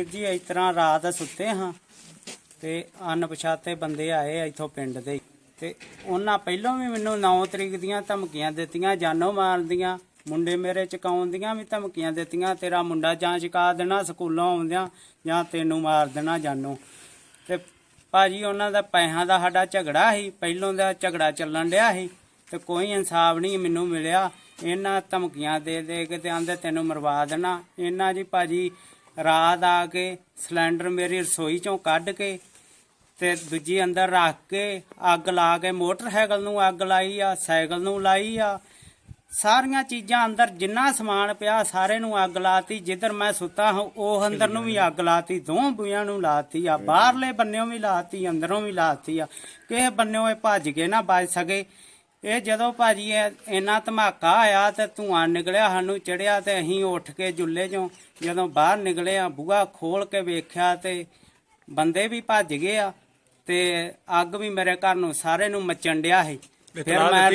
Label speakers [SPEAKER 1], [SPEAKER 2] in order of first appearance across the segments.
[SPEAKER 1] ਵੀਰ ਜੀ ਇਸ ਤਰ੍ਹਾਂ ਰਾਤ ਸੁੱਤੇ ਹਾਂ ਤੇ ਅਣਪਛਾਤੇ ਬੰਦੇ ਆਏ ਇੱਥੋਂ ਪਿੰਡ ਦੇ ਤੇ ਉਹਨਾਂ ਪਹਿਲਾਂ ਵੀ ਮੈਨੂੰ 9 ਤਰੀਕ ਦੀਆਂ ਧਮਕੀਆਂ ਦਿੱਤੀਆਂ, ਜਾਨੋਂ ਮਾਰਨ ਦੀਆਂ, ਮੁੰਡੇ ਮੇਰੇ ਚਕਾਉਣ ਦੀਆਂ ਵੀ ਧਮਕੀਆਂ ਦਿੱਤੀਆਂ, ਤੇਰਾ ਮੁੰਡਾ ਜਾਂ ਚਕਾ ਦੇਣਾ ਸਕੂਲੋਂ ਆਉਂਦਿਆਂ ਜਾਂ ਤੈਨੂੰ ਮਾਰ ਦੇਣਾ ਜਾਨੋਂ। ਤੇ ਭਾਜੀ ਉਹਨਾਂ ਦਾ ਪੈਸਿਆਂ ਦਾ ਸਾਡਾ ਝਗੜਾ ਸੀ, ਪਹਿਲੋਂ ਦਾ ਝਗੜਾ ਚੱਲਣ ਡਿਆ ਸੀ ਤੇ ਕੋਈ ਇਨਸਾਫ ਨਹੀਂ ਮੈਨੂੰ ਮਿਲਿਆ। ਇਹਨਾਂ ਧਮਕੀਆਂ ਦੇ ਦੇ ਕੇ ਤੇ ਆਂਦੇ ਤੈਨੂੰ ਮਰਵਾ ਦੇਣਾ। ਇਹਨਾਂ ਜੀ ਭਾਜੀ ਰਾਤ ਆ ਕੇ ਸਿਲੰਡਰ ਮੇਰੀ ਰਸੋਈ ਚੋਂ ਕੱਢ ਕੇ ਤੇ ਦੂਜੀ ਅੰਦਰ ਰੱਖ ਕੇ ਅੱਗ ਲਾ ਕੇ ਮੋਟਰਸਾਈਕਲ ਨੂੰ ਅੱਗ ਲਾਈ ਆ, ਸਾਈਕਲ ਨੂੰ ਲਾਈ ਆ, ਸਾਰੀਆਂ ਚੀਜ਼ਾਂ ਅੰਦਰ ਜਿੰਨਾ ਸਮਾਨ ਪਿਆ ਸਾਰੇ ਨੂੰ ਅੱਗ ਲਾਤੀ। ਜਿੱਧਰ ਮੈਂ ਸੁੱਤਾ ਹਾਂ ਉਹ ਅੰਦਰ ਨੂੰ ਵੀ ਅੱਗ ਲਾਤੀ, ਦੋਹਾਂ ਬੂਹਿਆਂ ਨੂੰ ਲਾਤੀ ਆ, ਬਾਹਰਲੇ ਬੰਨਿਓਂ ਵੀ ਲਾਤੀ, ਅੰਦਰੋਂ ਵੀ ਲਾਤੀ ਆ। ਕਿਸੇ ਬੰਨਿਓਂ ਇਹ ਭੱਜ ਕੇ ਨਾ ਬਚ ਸਕੇ। ਇਹ ਜਦੋਂ ਭਾਜੀ ਇੰਨਾ ਧਮਾਕਾ ਆਇਆ ਤੇ ਧੂੰਆਂ ਨਿਕਲਿਆ, ਸਾਨੂੰ ਚੜਿਆ ਤੇ ਅਸੀਂ ਉੱਠ ਕੇ ਜੁੱਲੇ ਚੋਂ ਜਦੋਂ ਬਾਹਰ ਨਿਕਲੇ ਆ ਬੂਹਾ ਖੋਲ ਕੇ ਵੇਖਿਆ ਤੇ ਬੰਦੇ ਵੀ ਭੱਜ ਗਏ ਆ ਤੇ ਅੱਗ ਵੀ ਮੇਰੇ ਘਰ ਨੂੰ ਸਾਰੇ ਨੂੰ ਮਚਣ ਡਿਆ ਸੀ। ਫਿਰ ਮੈਂ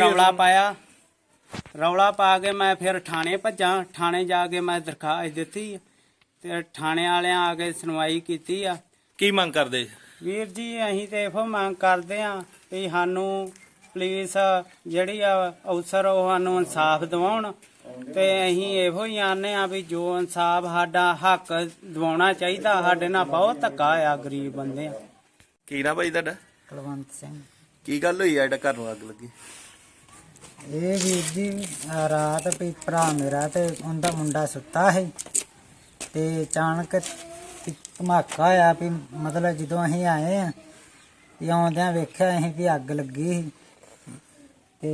[SPEAKER 1] ਰੌਲਾ ਪਾ ਕੇ ਮੈਂ ਫਿਰ ਥਾਣੇ ਭੱਜਾਂ। ਥਾਣੇ ਜਾ ਕੇ ਮੈਂ ਦਰਖਾਸਤ ਦਿੱਤੀ ਤੇ ਥਾਣੇ ਵਾਲਿਆਂ ਆ ਕੇ ਸੁਣਵਾਈ ਕੀਤੀ ਆ।
[SPEAKER 2] ਕੀ ਮੰਗ ਕਰਦੇ
[SPEAKER 1] ਵੀਰ ਜੀ? ਅਸੀਂ ਤੇ ਇਹੋ ਮੰਗ ਕਰਦੇ ਆ ਵੀ ਸਾਨੂੰ ਪੁਲਿਸ ਜਿਹੜੀ ਆ ਅਫਸਰ ਉਹ ਸਾਨੂੰ ਇਨਸਾਫ ਦਿਵਾਉਣ ਤੇ ਅਸੀਂ ਇਹੋ ਹੀ ਆਨੇ ਆ ਵੀ ਜੋ ਇਨਸਾਫ ਸਾਡਾ ਹੱਕ ਦਿਵਾਉਣਾ ਚਾਹੀਦਾ। ਸਾਡੇ ਨਾਲ ਬਹੁਤ ਧੱਕਾ ਆ, ਗਰੀਬ ਬੰਦੇ ਆ।
[SPEAKER 2] ਕੀ ਨਾ ਭਾਈ ਤੁਹਾਡਾ?
[SPEAKER 3] ਕੁਲਵੰਤ ਸਿੰਘ।
[SPEAKER 2] ਕੀ ਗੱਲ ਹੋਈ ਆ ਜਿਹੜਾ ਘਰ ਨੂੰ ਅੱਗ ਲੱਗੀ?
[SPEAKER 3] ਇਹ ਵੀਰ ਜੀ ਰਾਤ ਵੀ ਭਰਾ ਮੇਰਾ ਤੇ ਉਹਦਾ ਮੁੰਡਾ ਸੁੱਤਾ ਸੀ ਤੇ ਅਚਾਨਕ ਧਮਾਕਾ ਹੋਇਆ ਵੀ ਮਤਲਬ ਜਦੋਂ ਅਸੀਂ ਆਏ ਆ ਤੇ ਆਉਂਦਿਆਂ ਵੇਖਿਆ ਅਸੀਂ ਵੀ ਅੱਗ ਲੱਗੀ ਸੀ ਤੇ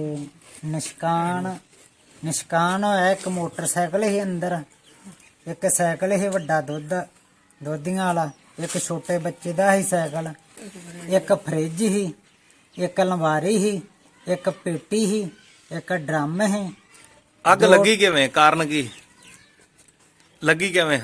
[SPEAKER 3] ਨਿਸ਼ਕਾਨ ਹੋਇਆ। ਇੱਕ ਮੋਟਰਸਾਈਕਲ ਸੀ ਅੰਦਰ, ਇੱਕ ਸਾਈਕਲ ਸੀ ਵੱਡਾ ਦੋਧੀਆਂ ਵਾਲਾ, ਇੱਕ ਛੋਟੇ ਬੱਚੇ ਦਾ ਸੀ ਸਾਈਕਲ, ਇੱਕ ਫਰਿੱਜ ਸੀ, ਇੱਕ ਅਲਮਾਰੀ ਸੀ, ਇੱਕ ਪੇਟੀ ਸੀ, ਇੱਕ ਡਰਮ ਸੀ।
[SPEAKER 2] ਅੱਗ ਲੱਗੀ ਕਿਵੇਂ? ਕਾਰਨ ਕੀ ਲੱਗੀ ਕਿਵੇਂ?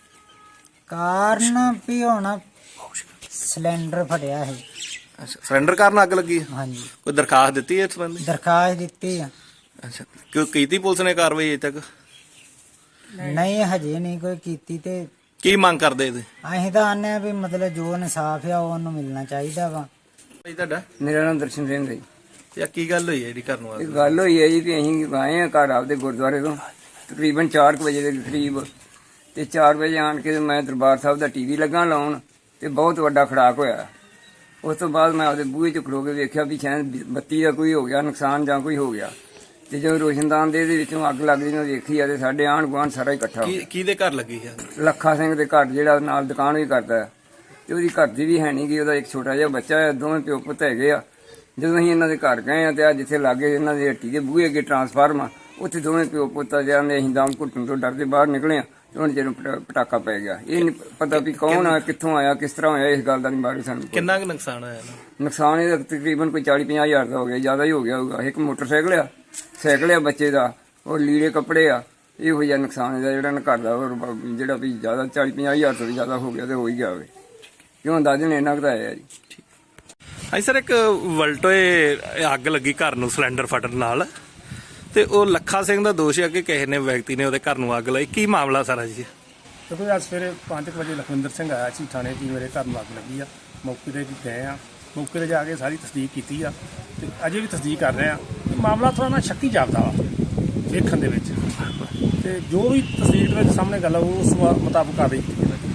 [SPEAKER 3] ਕਾਰਨ ਵੀ ਹੁਣ ਸਿਲੰਡਰ ਫਟਿਆ ਸੀ।
[SPEAKER 2] ਅੱਛਾ, ਸਿਲੰਡਰ ਕਾਰਨ ਅੱਗ ਲੱਗੀ?
[SPEAKER 3] ਹਾਂਜੀ।
[SPEAKER 2] ਕੋਈ ਦਰਖਾਸਤ ਦਿੱਤੀ ਇਸ ਸੰਬੰਧੀ?
[SPEAKER 3] ਦਰਖਾਸਤ ਦਿੱਤੀ ਆ।
[SPEAKER 2] ਅੱਛਾ, ਕਿਉਂ ਕੀਤੀ ਪੁਲਿਸ ਨੇ ਕਾਰਵਾਈ ਅਜੇ ਤੱਕ?
[SPEAKER 3] ਨਹੀਂ ਹਜੇ ਨਹੀਂ ਕੋਈ ਕੀਤੀ। ਤੇ
[SPEAKER 2] ਕੀ ਮੰਗ ਕਰਦੇ ਇਹਦੇ?
[SPEAKER 3] ਅਸੀਂ ਤਾਂ ਆਨੇ ਆ ਵੀ ਮਤਲਬ ਜੋ ਇਨਸਾਫ ਆ ਉਹ ਉਹਨੂੰ ਮਿਲਣਾ ਚਾਹੀਦਾ ਵਾ।
[SPEAKER 2] ਭਾਈ ਤੁਹਾਡਾ?
[SPEAKER 4] ਮੇਰਾ ਨਾਮ ਦਰਸ਼ਨ ਸਿੰਘ ਹੈ ਜੀ।
[SPEAKER 2] ਤੇ ਕੀ ਗੱਲ ਹੋਈ ਹੈ ਜਿਹੜੀ ਘਰ ਨੂੰ ਅੱਗ
[SPEAKER 4] ਇਹ ਗੱਲ ਹੋਈ ਹੈ ਜੀ ਕਿ ਅਸੀਂ ਆਏ ਆ ਘਰ ਆਪਦੇ ਗੁਰਦੁਆਰੇ ਤੋਂ ਤਕਰੀਬਨ 4 ਵਜੇ ਦੇ ਕਰੀਬ ਤੇ 4 ਵਜੇ ਆਣ ਕੇ ਮੈਂ ਦਰਬਾਰ ਸਾਹਿਬ ਦਾ ਟੀਵੀ ਲੱਗਾ ਲਾਉਣ ਤੇ ਬਹੁਤ ਵੱਡਾ ਖੜਾਕ ਹੋਇਆ। ਉਸ ਤੋਂ ਬਾਅਦ ਮੈਂ ਆਪਦੇ ਬੂਹੇ 'ਚ ਖਲੋ ਕੇ ਵੇਖਿਆ ਵੀ ਸ਼ਾਇਦ ਬੱਤੀ ਦਾ ਕੋਈ ਹੋ ਗਿਆ ਨੁਕਸਾਨ ਜਾਂ ਕੋਈ ਹੋ ਗਿਆ। ਤੇ ਜਦੋਂ ਰੋਸ਼ਨਦਾਨ ਦੇ ਵਿੱਚੋਂ ਅੱਗ ਲੱਗਦੀ ਨੂੰ ਵੇਖੀ ਆ ਤੇ ਸਾਡੇ ਆਂਢ ਗੁਆਂਢ ਸਾਰਾ ਇਕੱਠਾ ਹੋ ਗਿਆ।
[SPEAKER 2] ਕਿਹਦੇ ਘਰ ਲੱਗੀ ਹੈ?
[SPEAKER 4] ਲੱਖਾ ਸਿੰਘ ਦੇ ਘਰ, ਜਿਹੜਾ ਨਾਲ ਦੁਕਾਨ ਵੀ ਕਰਦਾ ਹੈ ਤੇ ਉਹਦੀ ਘਰ ਦੀ ਵੀ ਹੈ ਨਹੀਂ ਗੀ। ਉਹਦਾ ਇੱਕ ਛੋਟਾ ਜਿਹਾ ਬੱਚਾ ਹੈ, ਦੋਵੇਂ ਪਿਓ ਪੁੱਤ ਹੈਗੇ ਆ। ਜਦੋਂ ਅਸੀਂ ਇਹਨਾਂ ਦੇ ਘਰ ਗਏ ਆ ਤੇ ਆ ਜਿੱਥੇ ਲਾਗੇ ਇਹਨਾਂ ਦੀ ਹੱਟੀ ਦੇ ਬੂਹੇ ਅੱਗੇ ਟਰਾਂਸਫਾਰਮ ਆ, ਉੱਥੇ ਦੋਵੇਂ ਪਿਓ ਪੁੱਤ ਜਾਂਦੇ ਅਸੀਂ ਦਮ ਘੁੱਟਣ ਤੋਂ ਡਰਦੇ ਬਾਹਰ ਨਿਕਲੇ ਆ ਤੇ ਉਹਨਾਂ ਚਿਰ ਪਟਾਕਾ ਪੈ ਗਿਆ। ਇਹ ਨਹੀਂ ਪਤਾ ਵੀ ਕੌਣ ਆ, ਕਿੱਥੋਂ ਆਇਆ, ਕਿਸ ਤਰ੍ਹਾਂ ਹੋਇਆ, ਇਸ ਗੱਲ ਦਾ ਨਹੀਂ ਬਾਰੇ ਸਾਨੂੰ।
[SPEAKER 2] ਕਿੰਨਾ ਕੁ ਨੁਕਸਾਨ ਹੋਇਆ?
[SPEAKER 4] ਨੁਕਸਾਨ ਇਹਦਾ ਤਕਰੀਬਨ ਕੋਈ 40-50 ਹਜ਼ਾਰ ਦਾ ਹੋ ਗਿਆ, ਜ਼ਿਆਦਾ ਹੀ ਹੋ ਗਿਆ ਹੋਊਗਾ। ਇੱਕ ਮੋਟਰਸਾਈਕਲ ਆ, ਸਾਈਕਲ ਆ ਬੱਚੇ ਦਾ, ਉਹ ਲੀੜੇ ਕੱਪੜੇ ਆ, ਇਹੋ ਜਿਹਾ ਨੁਕਸਾਨ ਇਹਦਾ ਜਿਹੜਾ ਨਾ ਘਰ ਦਾ ਜਿਹੜਾ ਵੀ ਜ਼ਿਆਦਾ 40-50 ਹਜ਼ਾਰ ਤੋਂ ਵੀ ਜ਼ਿਆਦਾ ਹੋ ਗਿਆ ਤੇ ਹੋ ਹੀ ਗਿਆ ਹੋਵੇ। ਕਿਉਂ ਅੰਦਾਜ਼ੇ ਨੇ ਇੰਨਾ ਕੁ ਤਾਂ ਆਇਆ ਜੀ।
[SPEAKER 2] ਹਾਂਜੀ ਸਰ, ਇੱਕ ਵਲਟੋਏ ਅੱਗ ਲੱਗੀ ਘਰ ਨੂੰ ਸਿਲੰਡਰ ਫਟਣ ਨਾਲ ਤੇ ਉਹ ਲੱਖਾ ਸਿੰਘ ਦਾ ਦੋਸ਼ ਹੈ ਕਿ ਕਿਸੇ ਨੇ ਵਿਅਕਤੀ ਨੇ ਉਹਦੇ ਘਰ ਨੂੰ ਅੱਗ ਲਾਈ। ਕੀ ਮਾਮਲਾ ਸਾਰਾ ਜੀ?
[SPEAKER 5] ਕਿਉਂਕਿ ਅੱਜ ਸਵੇਰੇ 5 ਵਜੇ ਲਖਵਿੰਦਰ ਸਿੰਘ ਆਇਆ ਸੀ ਥਾਣੇ ਕਿ ਮੇਰੇ ਘਰ ਨੂੰ ਅੱਗ ਲੱਗੀ ਆ। ਮੌਕੇ 'ਤੇ ਗਏ ਆ, ਮੌਕੇ 'ਤੇ ਜਾ ਕੇ ਸਾਰੀ ਤਸਦੀਕ ਕੀਤੀ ਆ ਤੇ ਅਜੇ ਵੀ ਤਸਦੀਕ ਕਰ ਰਹੇ ਆ। ਮਾਮਲਾ ਥੋੜ੍ਹਾ ਨਾ ਸ਼ੱਕੀ ਜਾਪਦਾ ਵਾ ਵੇਖਣ ਦੇ ਵਿੱਚ, ਤੇ ਜੋ ਵੀ ਤਸਦੀਕ ਦੇ ਵਿੱਚ ਸਾਹਮਣੇ ਗੱਲ ਆ ਉਸ ਮੁਤਾਬਕ ਕਾਰਵਾਈ ਕੀਤੀ ਜਾਵੇਗੀ।